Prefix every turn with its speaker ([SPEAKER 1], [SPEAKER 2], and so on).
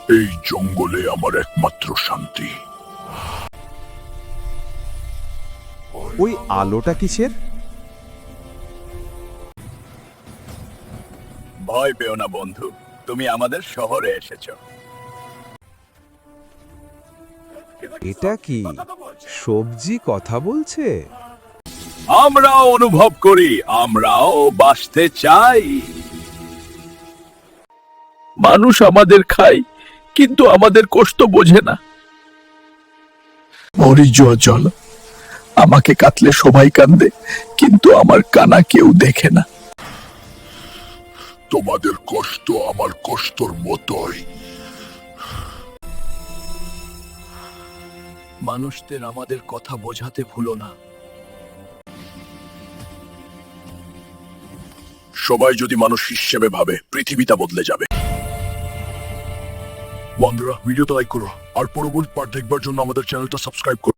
[SPEAKER 1] এই জঙ্গলে আমার একমাত্র শান্তি।
[SPEAKER 2] ওই আলোটা কিসের?
[SPEAKER 1] ভয় পেও না বন্ধু, তুমি আমাদের শহরে এসেছো।
[SPEAKER 2] এটা কি সবজি কথা বলছে?
[SPEAKER 1] আমরাও অনুভব করি, আমরাও বাঁচতে চাই। মানুষ আমাদের খায়, কিন্তু আমাদের কষ্ট বোঝে না। মরি জল, আমাকে কাটলে সবাই কান্দে, কিন্তু আমার কানা কেউ দেখে না। তোমাদের কষ্ট আমার কষ্টর মতোই। মানুষদের আমাদের কথা বোঝাতে ভুলো না। সবাই যদি মানুষ হিসেবে ভাবে, পৃথিবীটা বদলে যাবে। বন্ধুরা, ভিডিওটা লাইক করো আর পরবর্তী পার্ট দেখবার জন্য আমাদের চ্যানেলটা সাবস্ক্রাইব করো।